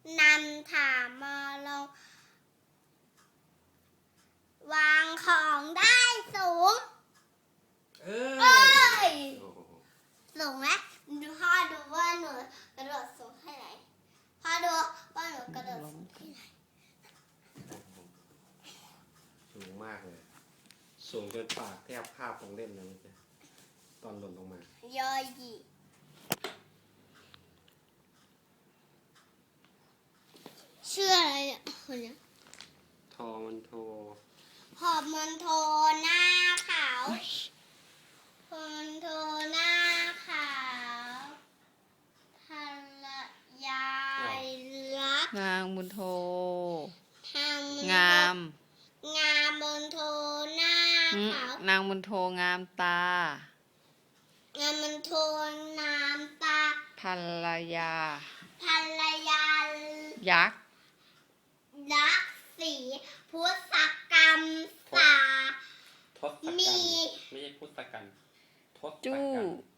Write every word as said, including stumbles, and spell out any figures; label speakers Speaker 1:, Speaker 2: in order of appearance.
Speaker 1: นำถามมาลงวางของได้สูงเอ้ยสูงไหมดูพ่อดูว่าหนูกระโดดสูงแค่ไหนพ่อดูว่าหนูกระโดดสูงแค่ไหน
Speaker 2: สูงมากเลยสูงจนปากแทบคาบของเล่นเลยจ้ะตอนหล่นลงมา
Speaker 1: ย่อยยี่ชื่ออะไรเนี่ยคนนี้
Speaker 2: ทอมันโท
Speaker 1: หอบมันโทหน้าขาวมันโทหน้าขาวภรรยารัก
Speaker 3: นางบุญโท
Speaker 1: ทาง
Speaker 3: งาม
Speaker 1: งามบุญโทหน้าขาวน
Speaker 3: างบุญโทงามตาง
Speaker 1: ามบุญโทงามตา
Speaker 3: ภรรยา
Speaker 1: ภรรยา
Speaker 3: ยักษ์
Speaker 1: รักสีพุทธกรรมสา
Speaker 2: ทศกัณฐ์ไม่ใช่พุทธกัณฐ์ทศกัณฐ์